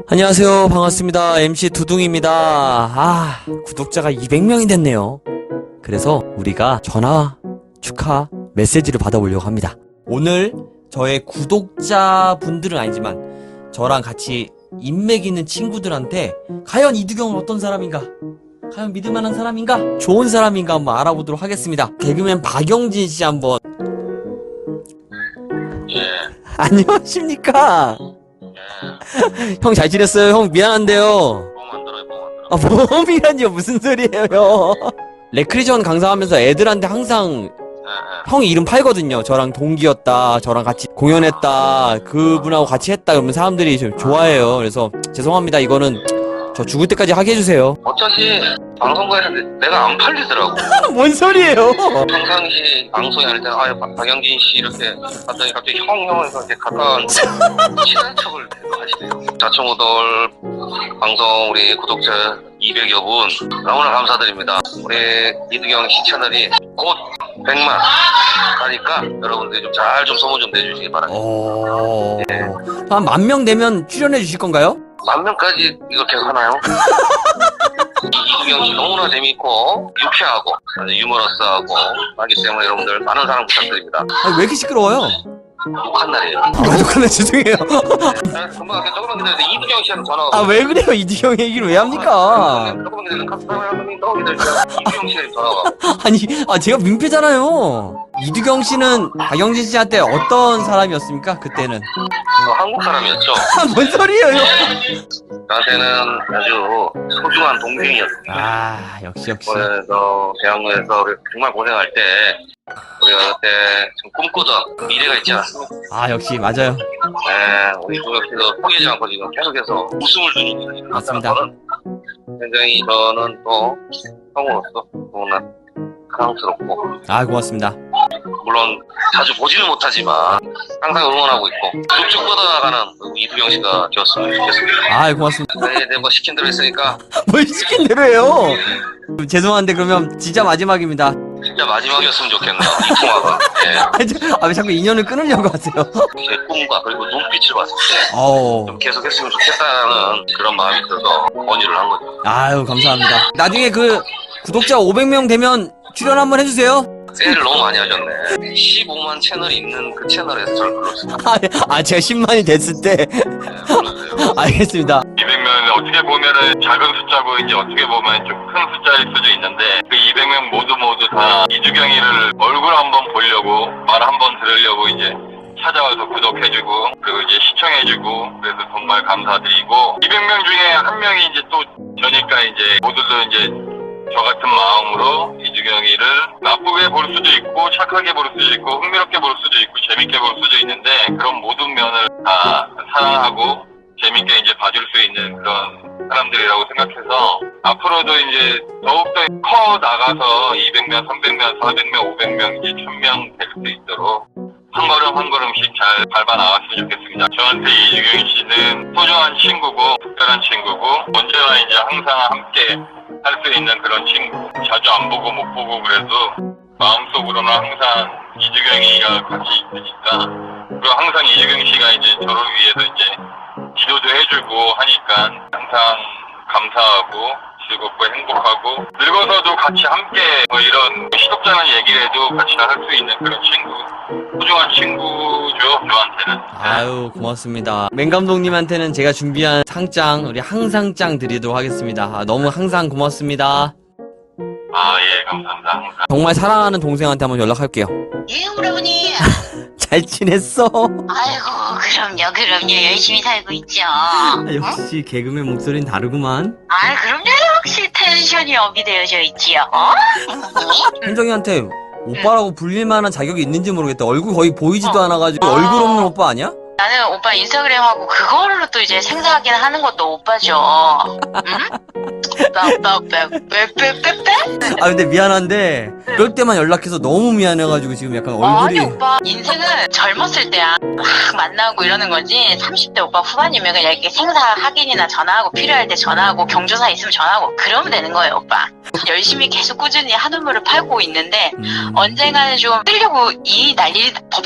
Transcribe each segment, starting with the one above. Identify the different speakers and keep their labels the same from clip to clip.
Speaker 1: 안녕하세요. 반갑습니다. MC 두둥입니다. 구독자가 200명이 됐네요. 그래서 우리가 전화 축하 메시지를 받아보려고 합니다. 오늘 저의 구독자분들은 아니지만 저랑 같이 인맥 있는 친구들한테 과연 이두경은 어떤 사람인가? 과연 믿을만한 사람인가? 좋은 사람인가 한번 알아보도록 하겠습니다. 개그맨 박영진 씨 한번.
Speaker 2: 예.
Speaker 1: 안녕하십니까?
Speaker 2: 예.
Speaker 1: 형 잘 지냈어요? 형 미안한데요.
Speaker 2: 뽕 만들어요, 뽕 만들어.
Speaker 1: 보험이라니요? 무슨 소리예요, 형? 레크리전 강사하면서 애들한테 항상
Speaker 2: 예,
Speaker 1: 형이 이름 팔거든요. 저랑 동기였다, 저랑 같이 공연했다, 그분하고 같이 했다, 그러면 사람들이 좀 좋아해요. 그래서 죄송합니다. 이거는 저 죽을 때까지 하게 해주세요.
Speaker 2: 어차피 방송국에서 내가 안 팔리더라고.
Speaker 1: 뭔 소리예요?
Speaker 2: 평상시 방송에 할 때는 박영진 씨 이렇게 하더니 갑자기 형 이렇게 가까운 친한 척을 하시네요. 자충우돌 방송 우리 구독자 200여 분 너무나 감사드립니다. 우리 이두경 씨 채널이 곧 100만 하니까 여러분들이 좀 잘 좀 소문 좀 내주시기 바랍니다.
Speaker 1: 한 10,000명 되면 출연해 주실 건가요?
Speaker 2: 10,000명까지 이거 계속 하나요? 이두경 씨 너무나 재밌고 유쾌하고 아주 유머러스하고 하기 때문에 여러분들 많은 사랑 부탁드립니다.
Speaker 1: 왜 이렇게 시끄러워요?
Speaker 2: 욕한 날이에요.
Speaker 1: 욕하네, 죄송해요.
Speaker 2: 금방 조금만 기다려요. 이두경 씨한테 전화가
Speaker 1: 왜 그래요? 이두경 얘기를 왜 합니까?
Speaker 2: 조금만 기다려요. 카스타마야님이 너무 기다려요. 이두경 씨한테 전화가.
Speaker 1: 아니, 제가 민폐잖아요. 이두경 씨는 박영진 씨한테 어떤 사람이었습니까? 그때는.
Speaker 2: 한국 사람이었죠.
Speaker 1: 뭔 소리예요?
Speaker 2: 저한테는 아주 소중한 동생이었습니다.
Speaker 1: 역시.
Speaker 2: 그래서 대학로에서 우리 정말 고생할 때 우리가 그때 좀 꿈꾸던 미래가 있지 않았습니까?
Speaker 1: 역시 맞아요.
Speaker 2: 네, 우리 이두경 씨도 포기하지 않고 지금 계속해서 웃음을 주는
Speaker 1: 맞습니다.
Speaker 2: 굉장히 저는 또 형으로서 너무나 사랑스럽고
Speaker 1: 고맙습니다.
Speaker 2: 물론 자주 보지는 못하지만 항상 응원하고 있고 쭉쭉 뻗어나가는 이두경 씨가 되었으면 좋겠습니다.
Speaker 1: 고맙습니다.
Speaker 2: 네, 뭐 시킨 대로 했으니까
Speaker 1: 뭘 시킨 대로 해요? 죄송한데 그러면 진짜 마지막입니다.
Speaker 2: 진짜 마지막이었으면 좋겠네요. 이 통화가. 네.
Speaker 1: 왜 자꾸 인연을 끊으려고 하세요?
Speaker 2: 제 꿈과 그리고 눈빛을 봤을 때 좀
Speaker 1: 어.
Speaker 2: 계속했으면 좋겠다는 그런 마음이 들어서 권유를 한 거죠.
Speaker 1: 감사합니다. 나중에 그 구독자 500명 되면 출연 한번 해주세요.
Speaker 2: 세일을 너무 많이 하셨네. 15만 채널이 있는 그 채널에서 저를 불렀어요.
Speaker 1: 제가 10만이 됐을 때.
Speaker 2: 네, 불렀어요.
Speaker 1: 알겠습니다.
Speaker 3: 200명은 어떻게 보면은 작은 숫자고 이제 어떻게 보면 좀 큰 숫자일 수도 있는데 그 200명 모두 다 이두경이를 얼굴 한번 보려고 말 한번 들으려고 이제 찾아와서 구독해주고 그리고 이제 시청해주고 그래서 정말 감사드리고 200명 중에 한 명이 이제 또 저니까 이제 모두들 이제 저 같은 마음으로 이두경이를 나쁘게 볼 수도 있고 착하게 볼 수도 있고 흥미롭게 볼 수도 있고 재밌게 볼 수도 있는데 그런 모든 면을 다 사랑하고 재밌게 이제 봐줄 수 있는 그런 사람들이라고 생각해서 앞으로도 이제 더욱더 커 나가서 200명, 300명, 400명, 500명, 이제 1000명 될 수 있도록 한 걸음 한 걸음씩 잘 밟아 나갔으면 좋겠습니다. 저한테 이두경 씨는 소중한 친구고 특별한 친구고 언제나 이제 항상 함께 할 수 있는 그런 친구. 자주 안 보고 못 보고 그래도 마음속으로는 항상 이두경이가 같이 있으니까 그리고 항상 이두경 씨가 이제 저를 위해서 이제 기도도 해주고 하니까 항상 감사하고 즐겁고 행복하고 늙어서도 같이 함께 이런 시덥잖은 얘기를 해도 같이 할 수 있는 그런 친구 소중한 친구죠 저한테는.
Speaker 1: 고맙습니다. 맹 감독님한테는 제가 준비한 상장 우리 항상장 드리도록 하겠습니다. 너무 항상 고맙습니다.
Speaker 3: 예, 감사합니다. 항상.
Speaker 1: 정말 사랑하는 동생한테 한번 연락할게요.
Speaker 4: 예, 오라버니.
Speaker 1: 잘 지냈어?
Speaker 4: 아이고, 그럼요. 열심히 살고 있죠.
Speaker 1: 역시 개그맨 목소리는 다르구만.
Speaker 4: 그럼요. 역시 텐션이 업이 되어져 있지요.
Speaker 1: 현정이한테 오빠라고 불릴 만한 자격이 있는지 모르겠다. 얼굴 거의 보이지도 않아가지고 얼굴 없는 오빠 아니야?
Speaker 4: 나는 오빠 인스타그램하고 그걸로 또 이제 생사하긴 하는 것도 오빠죠. 응? 오빠, 빼?
Speaker 1: 근데 미안한데 그럴 때만 연락해서 너무 미안해가지고 지금 약간 얼굴이.
Speaker 4: 아니, 오빠, 인생은 젊었을 때야. 막 만나고 이러는 거지. 30대 오빠 후반이면 그냥 이렇게 생사 확인이나 전화하고 필요할 때 전화하고 경조사 있으면 전화하고 그러면 되는 거예요, 오빠. 열심히 계속 꾸준히 한우물을 팔고 있는데 언젠가는 좀 뜨려고 이 난리 법석을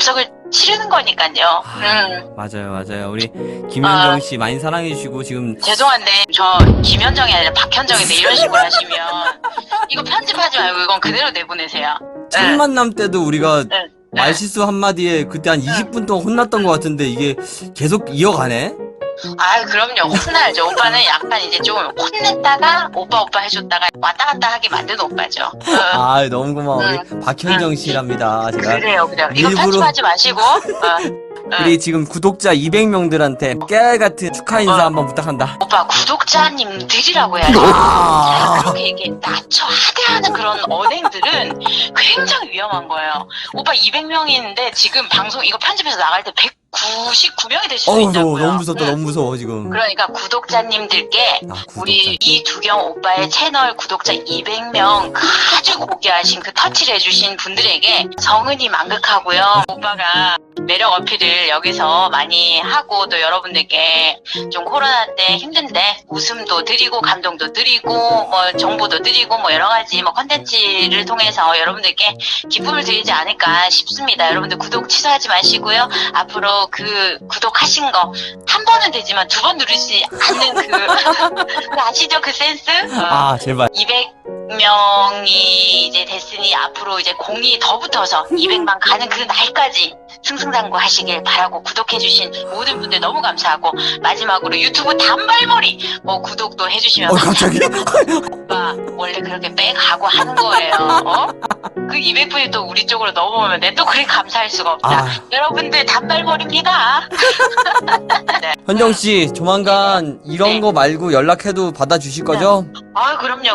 Speaker 4: 치르는 거니까요.
Speaker 1: 맞아요. 우리 김현정 씨 많이 사랑해주시고, 지금.
Speaker 4: 죄송한데 저 김현정이 아니라 박현정인데 이런 식으로 하시면 이거 편집하지 말고 이건 그대로 내보내세요.
Speaker 1: 첫 만남 때도 우리가
Speaker 4: 네.
Speaker 1: 말실수 한마디에 그때 한 20분 동안 혼났던 것 같은데, 이게 계속 이어가네?
Speaker 4: 아, 그럼요. 혼나야죠. 오빠는 약간 이제 좀 혼냈다가 오빠 해줬다가 왔다 갔다 하게 만드는 오빠죠.
Speaker 1: 아, 너무 고마워. 우리 박현정 씨랍니다. 제가.
Speaker 4: 그래요. 이거
Speaker 1: 일부러-
Speaker 4: 편집하지 마시고.
Speaker 1: 우리 지금 구독자 200명들한테 깨알같은 축하 인사 한번 부탁한다.
Speaker 4: 오빠 구독자님들이라고 해야죠. 그렇게 이렇게 낮춰 하대하는 그런 언행들은 굉장히 위험한 거예요. 오빠 200명인데 지금 방송 이거 편집해서 나갈 때 199명이 될 수도 있다고요.
Speaker 1: 너무 무섭다. 너무 무서워, 지금.
Speaker 4: 그러니까 구독자님들께 우리 이두경 오빠의 채널 구독자 200명 가지고 오게 하신 그 터치를 해주신 분들에게 성은이 만극하고요. 오빠가 매력 어필을 여기서 많이 하고 또 여러분들께 좀 코로나 때 힘든데 웃음도 드리고 감동도 드리고 뭐 정보도 드리고 뭐 여러 가지 뭐 컨텐츠를 통해서 여러분들께 기쁨을 드리지 않을까 싶습니다. 여러분들 구독 취소하지 마시고요. 앞으로 그 구독하신 거 한 번은 되지만 두 번 누르지 않는 그 아시죠? 그 센스?
Speaker 1: 아, 제발.
Speaker 4: 200명이 이제 됐으니 앞으로 이제 공이 더 붙어서 200만 가는 그 날까지 승승장구하시길 바라고 구독해주신 모든 분들 너무 감사하고 마지막으로 유튜브 단발머리 뭐 구독도 해주시면
Speaker 1: 갑자기?
Speaker 4: 오빠 원래 그렇게 빼가고 하는 거예요. 그 200분이 또 우리 쪽으로 넘어오면 내 또 그리 감사할 수가 없다. 여러분들 단발머리입니다. 네.
Speaker 1: 현정 씨, 조만간 이런 거 말고 연락해도 받아주실 거죠?
Speaker 4: 아 그럼요.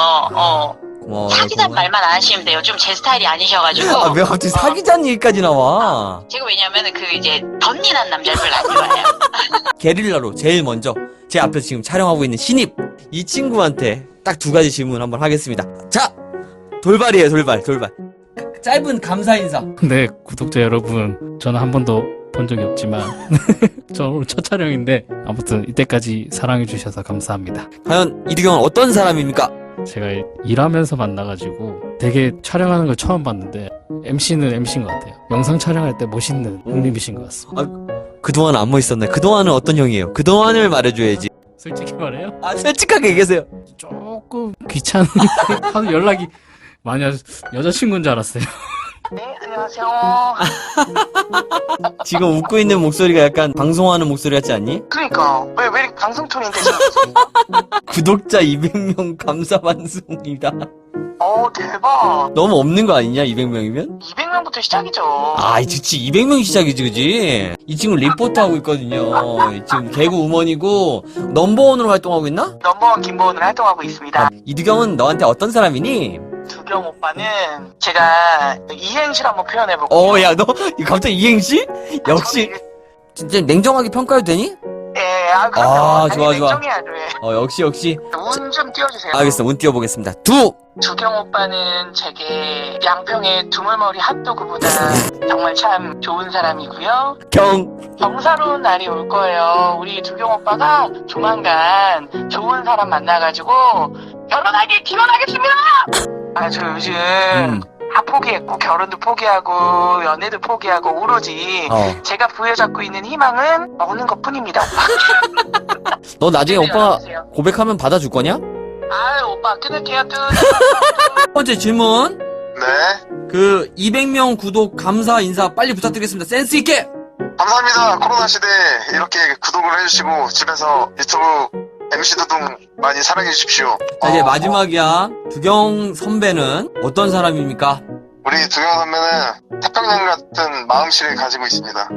Speaker 1: 고마워요.
Speaker 4: 사기단 말만 안 하시면 돼요. 좀 제 스타일이 아니셔가지고.
Speaker 1: 아, 왜 갑자기 사기자는 얘기까지 나와?
Speaker 4: 제가 왜냐면은 그 이제 덧니난 남자를 별로 안 좋아해요.
Speaker 1: 게릴라로 제일 먼저 제 앞에서 지금 촬영하고 있는 신입 이 친구한테 딱 두 가지 질문 한번 하겠습니다. 자, 돌발이에요, 돌발. 짧은 감사 인사.
Speaker 5: 네, 구독자 여러분, 저는 한 번도 본 적이 없지만 저 오늘 첫 촬영인데 아무튼 이때까지 사랑해주셔서 감사합니다.
Speaker 1: 과연 이두경은 어떤 사람입니까?
Speaker 5: 제가 일하면서 만나가지고 되게 촬영하는 걸 처음 봤는데 MC는 MC인 것 같아요. 영상 촬영할 때 멋있는 형님이신 것 같습니다.
Speaker 1: 그동안 안 멋있었네. 그동안은 어떤 형이에요? 그동안을 말해줘야지.
Speaker 5: 솔직히 말해요?
Speaker 1: 아, 솔직하게 얘기하세요.
Speaker 5: 조금 귀찮은 하도 연락이 많이 여자친구인 줄 알았어요.
Speaker 4: 네, 안녕하세요.
Speaker 1: 지금 웃고 있는 목소리가 약간 방송하는 목소리 같지 않니?
Speaker 4: 그러니까 왜 이렇게 방송 톤인데 지금?
Speaker 1: 구독자 200명 감사 방송입니다.
Speaker 4: 대박.
Speaker 1: 너무 없는 거 아니냐, 200명이면?
Speaker 4: 200명부터 시작이죠.
Speaker 1: 아, 그치. 200명이 시작이지, 그지? 이 친구 리포터 하고 있거든요. 지금 개그 우먼이고, 넘버원으로 활동하고 있나?
Speaker 6: 넘버원 김보은을 활동하고 있습니다.
Speaker 1: 이두경은 너한테 어떤 사람이니?
Speaker 6: 두경 오빠는 제가 이행시를 한번 표현해볼게요.
Speaker 1: 야, 너 갑자기 이행시? 역시. 진짜 냉정하게 평가해도 되니?
Speaker 6: 예, 그럼요.
Speaker 1: 아, 좋아.
Speaker 6: 냉정해야죠. 예.
Speaker 1: 역시.
Speaker 6: 운 좀 띄워주세요.
Speaker 1: 알겠어, 운 띄워보겠습니다.
Speaker 6: 두경 오빠는 제게 양평의 두물머리 핫도그보다 정말 참 좋은 사람이고요. 경사로운 날이 올 거예요. 우리 두경 오빠가 조만간 좋은 사람 만나가지고 결혼하길 기원하겠습니다. 저 요즘 다 포기했고 결혼도 포기하고 연애도 포기하고 오로지 제가 부여잡고 있는 희망은 먹는 것뿐입니다.
Speaker 1: 너 나중에 오빠가 고백하면 받아줄 거냐?
Speaker 6: 오빠 끊을게요.
Speaker 1: 첫 번째 질문.
Speaker 3: 네.
Speaker 1: 그 200명 구독 감사 인사 빨리 부탁드리겠습니다. 센스 있게.
Speaker 3: 감사합니다. 코로나 시대에 이렇게 구독을 해주시고 집에서 유튜브 MC 두둥 많이 사랑해 주십시오.
Speaker 1: 자, 이제 마지막이야. 두경 선배는 어떤 사람입니까?
Speaker 3: 우리 두경 선배는 태평양 같은 마음씨를 가지고 있습니다.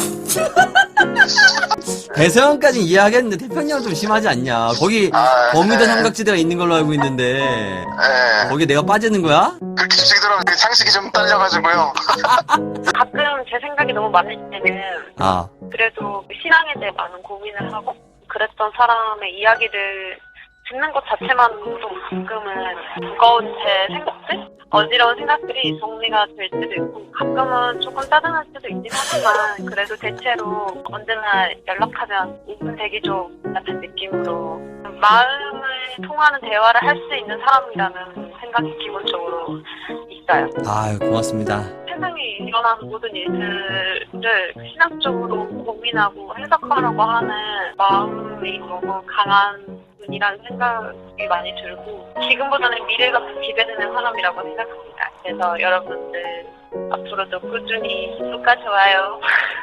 Speaker 1: 대서양까지 이해하겠는데 태평양 좀 심하지 않냐? 거기 버뮤다 삼각지대가 있는 걸로 알고 있는데 거기에 내가 빠지는 거야?
Speaker 3: 그렇게 주시더라고요. 상식이 좀 딸려가지고요.
Speaker 7: 가끔 제 생각이 너무 많을 때는 그래도 신앙에 대해 많은 고민을 하고 그랬던 사람의 이야기를 듣는 것 자체만으로도 가끔은 무거운 제 생각들? 어지러운 생각들이 정리가 될 때도 있고 가끔은 조금 짜증날 때도 있긴 하지만 그래도 대체로 언제나 연락하면 2분 대기조 같은 느낌으로 마음을 통하는 대화를 할 수 있는 사람이라는 생각이 기본적으로 있어요.
Speaker 1: 고맙습니다.
Speaker 7: 세상에 일어나는 모든 일들을 이야기를 신학적으로 고민하고 해석하려고 하는 마음이 너무 강한 분이라는 생각이 많이 들고 지금보다는 미래가 더 기대되는 사람이라고 생각합니다. 그래서 여러분들 앞으로도 꾸준히 구독과 좋아요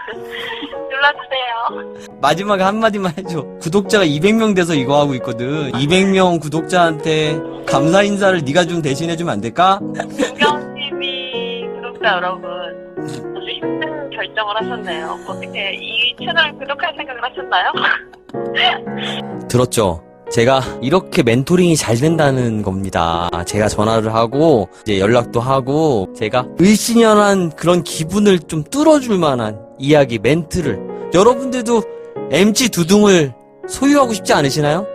Speaker 7: 눌러주세요.
Speaker 1: 마지막에 한마디만 해줘. 구독자가 200명 돼서 이거 하고 있거든. 200명 구독자한테 감사 인사를 네가 좀 대신해주면 안 될까?
Speaker 7: 구경TV 구독자 여러분, 아주 힘든 결정을 하셨네요. 어떻게 이 채널을 구독할 생각을 하셨나요?
Speaker 1: 들었죠? 제가 이렇게 멘토링이 잘 된다는 겁니다. 제가 전화를 하고 이제 연락도 하고 제가 을씨년한 그런 기분을 좀 뚫어줄 만한 이야기 멘트를, 여러분들도 MC 두둥을 소유하고 싶지 않으시나요?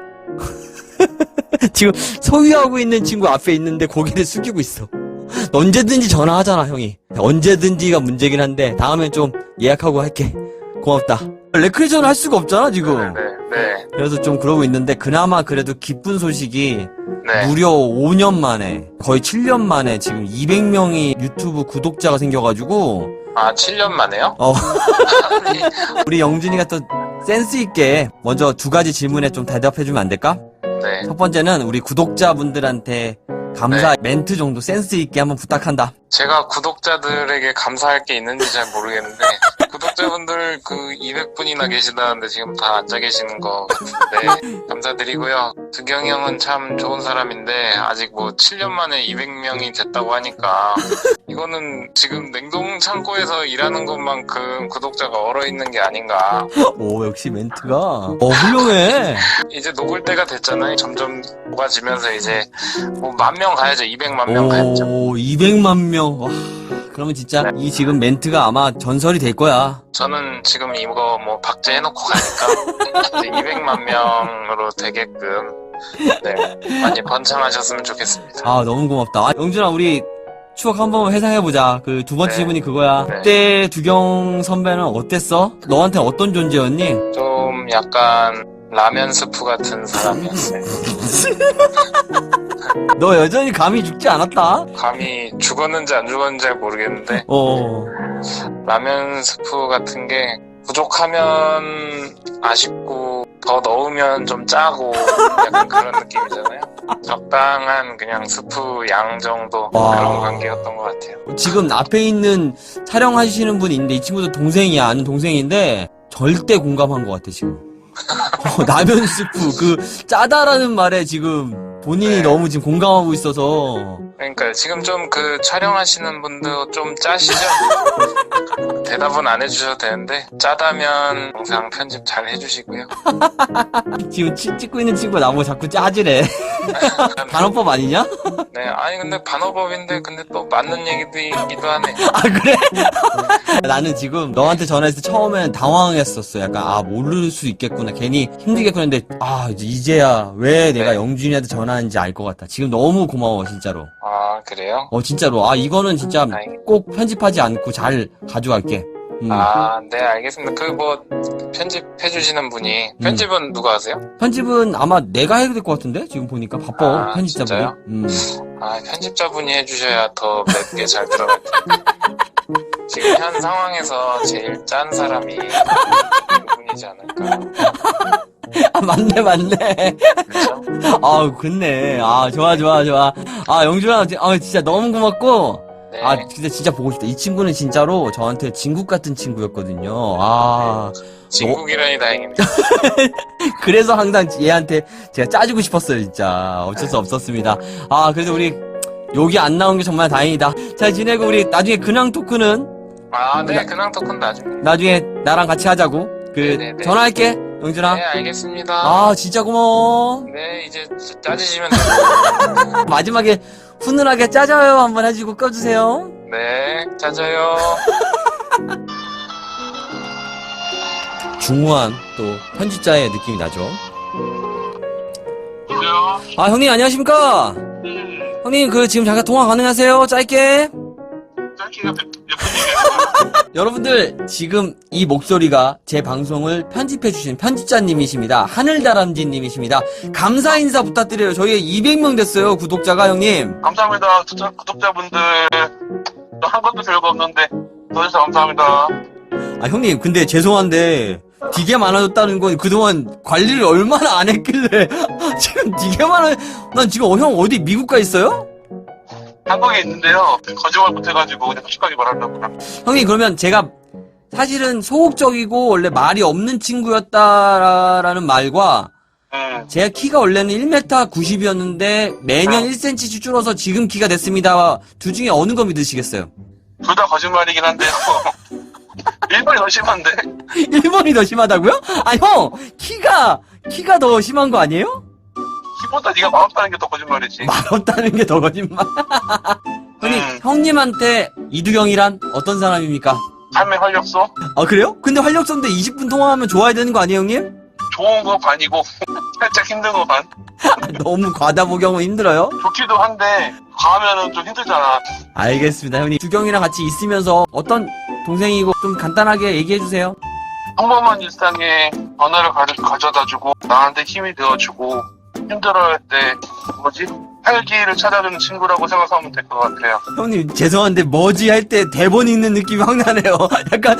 Speaker 1: 지금 소유하고 있는 친구 앞에 있는데 고개를 숙이고 있어. 언제든지 전화하잖아, 형이. 언제든지가 문제긴 한데 다음엔 좀 예약하고 할게. 고맙다. 레크레이션을 할 수가 없잖아, 지금.
Speaker 3: 네.
Speaker 1: 그래서 좀 그러고 있는데 그나마 그래도 기쁜 소식이
Speaker 3: 네.
Speaker 1: 무려 5년 만에, 거의 7년 만에 지금 200명이 유튜브 구독자가 생겨가지고
Speaker 3: 아, 7년 만에요?
Speaker 1: 우리 영준이가 또 센스 있게 먼저 두 가지 질문에 좀 대답해주면 안 될까?
Speaker 3: 네.
Speaker 1: 첫 번째는 우리 구독자분들한테 감사 멘트 정도 센스 있게 한번 부탁한다.
Speaker 3: 제가 구독자들에게 감사할 게 있는지 잘 모르겠는데 구독자분들 그 200분이나 계시다는데 지금 다 앉아 계시는 것 같은데 감사드리고요. 두경이 형은 참 좋은 사람인데 아직 뭐 7년 만에 200명이 됐다고 하니까 이거는 지금 냉동 창고에서 일하는 것만큼 구독자가 얼어있는 게 아닌가.
Speaker 1: 오, 역시 멘트가 훌륭해.
Speaker 3: 이제 녹을 때가 됐잖아요. 점점 녹아지면서 이제 뭐 10,000명 가야죠. 200만 명 가야죠.
Speaker 1: 오, 200만 명. 와, 그러면 진짜 이 지금 멘트가 아마 전설이 될 거야.
Speaker 3: 저는 지금 이거 뭐 박제해놓고 가니까 이제 200만 명으로 되게끔 네, 많이 번창하셨으면 좋겠습니다.
Speaker 1: 아, 너무 고맙다. 아, 영준아, 우리 추억 한번 회상해보자. 그 두 번째
Speaker 3: 네.
Speaker 1: 질문이 그거야.
Speaker 3: 네.
Speaker 1: 그때 두경 선배는 어땠어? 너한테 어떤 존재였니?
Speaker 3: 좀 약간 라면 스프 같은 사람이었어요.
Speaker 1: 너 여전히 감이 죽지 않았다?
Speaker 3: 감히 죽었는지 안 죽었는지 잘 모르겠는데 라면 스프 같은 게 부족하면 아쉽고 더 넣으면 좀 짜고 약간 그런 느낌이잖아요. 적당한 그냥 스프 양 정도
Speaker 1: 와.
Speaker 3: 그런 관계였던 것 같아요.
Speaker 1: 지금 앞에 있는 촬영하시는 분이 있는데 이 친구도 동생이야. 아는 동생인데 절대 공감한 것 같아, 지금. 라면 스프, 그 짜다라는 말에 지금 본인이
Speaker 3: 네.
Speaker 1: 너무 지금 공감하고 있어서.
Speaker 3: 그러니까 지금 좀 그 촬영하시는 분도 좀 짜시죠? 대답은 안 해주셔도 되는데 짜다면 영상 편집 잘 해주시고요.
Speaker 1: 지금 찍고 있는 친구가 나보고 자꾸 짜지래. 단어법 아니냐?
Speaker 3: 네, 아니 근데 반어법인데 근데 또 맞는 얘기도 하네.
Speaker 1: 아, 그래? 나는 지금 너한테 전화했을 때 처음엔 당황했었어. 약간, 아, 모를 수 있겠구나. 괜히 힘들겠구나 했는데, 아, 이제야 왜 내가
Speaker 3: 네.
Speaker 1: 영준이한테 전화하는지 알 것 같아. 지금 너무 고마워, 진짜로.
Speaker 3: 아, 그래요?
Speaker 1: 진짜로. 아, 이거는 진짜
Speaker 3: 다행이다.
Speaker 1: 꼭 편집하지 않고 잘 가져갈게.
Speaker 3: 아, 네, 알겠습니다. 그 뭐 편집해주시는 분이 편집은 누가 하세요?
Speaker 1: 편집은 아마 내가 해야 될 것 같은데? 지금 보니까 바빠,
Speaker 3: 아,
Speaker 1: 편집자분이.
Speaker 3: 진짜요? 아, 편집자분이 해주셔야 더 맵게 잘 들어갈 텐데. 지금 현 상황에서 제일 짠 사람이 그분이지 않을까.
Speaker 1: 아, 맞네.
Speaker 3: 그렇죠?
Speaker 1: 아, 그렇네. 아, 좋아. 아, 영준아, 진짜 너무 고맙고.
Speaker 3: 네.
Speaker 1: 아, 진짜 보고 싶다. 이 친구는 진짜로 저한테 진국 같은 친구였거든요. 아,
Speaker 3: 진국이라니 다행입니다.
Speaker 1: 그래서 항상 얘한테 제가 짜주고 싶었어요, 진짜. 어쩔 수 없었습니다. 아, 그래도 우리 여기 안 나온 게 정말 다행이다. 잘 지내고 우리 나중에 근황 토크는
Speaker 3: 아, 네, 근황 토크는 나중에.
Speaker 1: 나중에 나랑 같이 하자고.
Speaker 3: 네네네.
Speaker 1: 전화할게, 영준아.
Speaker 3: 네, 알겠습니다.
Speaker 1: 아, 진짜 고마워.
Speaker 3: 네, 이제 짜지시면 돼요.
Speaker 1: 마지막에 훈훈하게 짜줘요 한번 해주고 꺼주세요.
Speaker 3: 네, 짜져요.
Speaker 1: 중후한 또 편집자의 느낌이 나죠.
Speaker 3: 여보세요?
Speaker 1: 아, 형님 안녕하십니까? 형님 그 지금 잠깐 통화 가능하세요? 짧게.
Speaker 3: 짧게가 몇 분이에요?
Speaker 1: 여러분들 지금 이 목소리가 제 방송을 편집해주신 편집자님이십니다. 하늘다람쥐님이십니다. 감사 인사 부탁드려요. 저희가 200명 됐어요, 구독자가. 형님
Speaker 3: 감사합니다. 구독자분들 또 한 것도 별거 없는데 도와주셔서 감사합니다.
Speaker 1: 아, 형님, 근데 죄송한데, 되게 많아졌다는 건 그동안 관리를 얼마나 안 했길래, 지금 되게 난 지금, 형 어디 미국 가 있어요?
Speaker 3: 한국에 있는데요. 거짓말 못해가지고 그냥 솔직하게 말하려고.
Speaker 1: 형님, 그러면 제가 사실은 소극적이고 원래 말이 없는 친구였다라는 말과 제가 키가 원래는 1m 90이었는데 매년 1cm씩 줄어서 지금 키가 됐습니다. 둘 중에 어느 거 믿으시겠어요?
Speaker 3: 둘 다 거짓말이긴 한데요. 1번이 더 심한데?
Speaker 1: 1번이 더 심하다고요? 아, 형! 키가 더 심한 거 아니에요?
Speaker 3: 키보다 네가 마음다는 게 더 거짓말이지.
Speaker 1: 말없다는 게 더 거짓말. 형님, 형님한테 이두경이란 어떤 사람입니까?
Speaker 3: 삶의 활력소?
Speaker 1: 아, 그래요? 근데 활력소인데 20분 통화하면 좋아야 되는 거 아니에요, 형님?
Speaker 3: 좋은 거 반이고 살짝 힘든 거 반.
Speaker 1: 너무 과다 복용은 힘들어요?
Speaker 3: 좋기도 한데 과하면은 좀 힘들잖아.
Speaker 1: 알겠습니다, 형님. 두경이랑 같이 있으면서 어떤 동생이고 좀 간단하게 얘기해주세요.
Speaker 3: 평범한 일상에 변화를 가져다주고 나한테 힘이 되어주고 힘들어할 때 활기를 찾아주는 친구라고 생각하면 될 것 같아요.
Speaker 1: 형님, 죄송한데 뭐지 할 때 대본 읽는 느낌이 확 나네요. 약간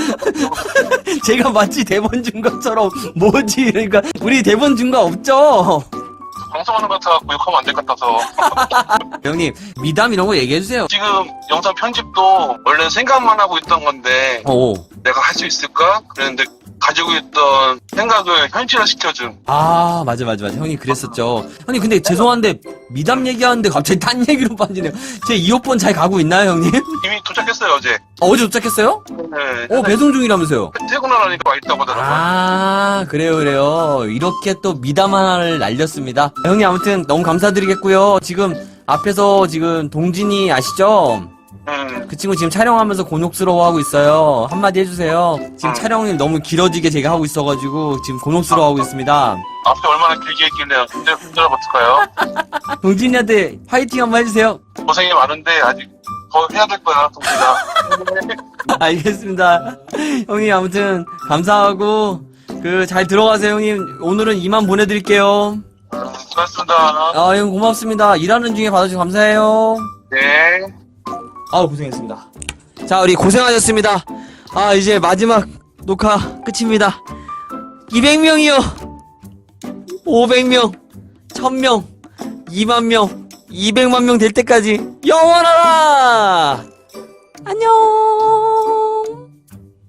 Speaker 1: 제가 마치 대본 준 것처럼 뭐지 그러니까 우리 대본 준 거 없죠?
Speaker 3: 방송하는 것 같아갖고 욕하면 안 될 것 같아서.
Speaker 1: 형님, 미담 이런 거 얘기해주세요.
Speaker 3: 지금 영상 편집도 원래 생각만 하고 있던 건데
Speaker 1: 오.
Speaker 3: 내가 할 수 있을까? 그랬는데 가지고 있던 생각을 현실화시켜준.
Speaker 1: 아, 맞아. 형님 그랬었죠. 형님, 근데 죄송한데 미담 얘기하는데 갑자기 딴 얘기로 빠지네요. 제 이어폰 잘 가고 있나요, 형님?
Speaker 3: 이미 도착했어요 어제.
Speaker 1: 어제 도착했어요?
Speaker 3: 네.
Speaker 1: 배송 중이라면서요?
Speaker 3: 퇴근하니까 와 있다고 하더라고요.
Speaker 1: 아, 그래요. 이렇게 또 미담 하나를 날렸습니다. 형님, 아무튼 너무 감사드리겠고요. 지금 앞에서 지금 동진이 아시죠? 그 친구 지금 촬영하면서 곤혹스러워하고 있어요. 한마디 해주세요. 지금 촬영이 너무 길어지게 제가 하고 있어가지고 지금 곤혹스러워하고 있습니다.
Speaker 3: 앞에 얼마나 길게 했길래 힘들어 버틸까요?
Speaker 1: 동진이한테 화이팅 한번 해주세요.
Speaker 3: 고생이 많은데 아직 더 해야 될 거야 동진아.
Speaker 1: 알겠습니다. 형님, 아무튼 감사하고 잘 들어가세요, 형님. 오늘은 이만 보내드릴게요.
Speaker 3: 고맙습니다.
Speaker 1: 아, 형 고맙습니다. 일하는 중에 받아주셔서 감사해요.
Speaker 3: 네.
Speaker 1: 아우, 고생했습니다. 자, 우리 고생하셨습니다. 아, 이제 마지막 녹화 끝입니다. 200명이요. 500명, 1000명, 2만 명, 200만 명 될 때까지 영원하라! 안녕!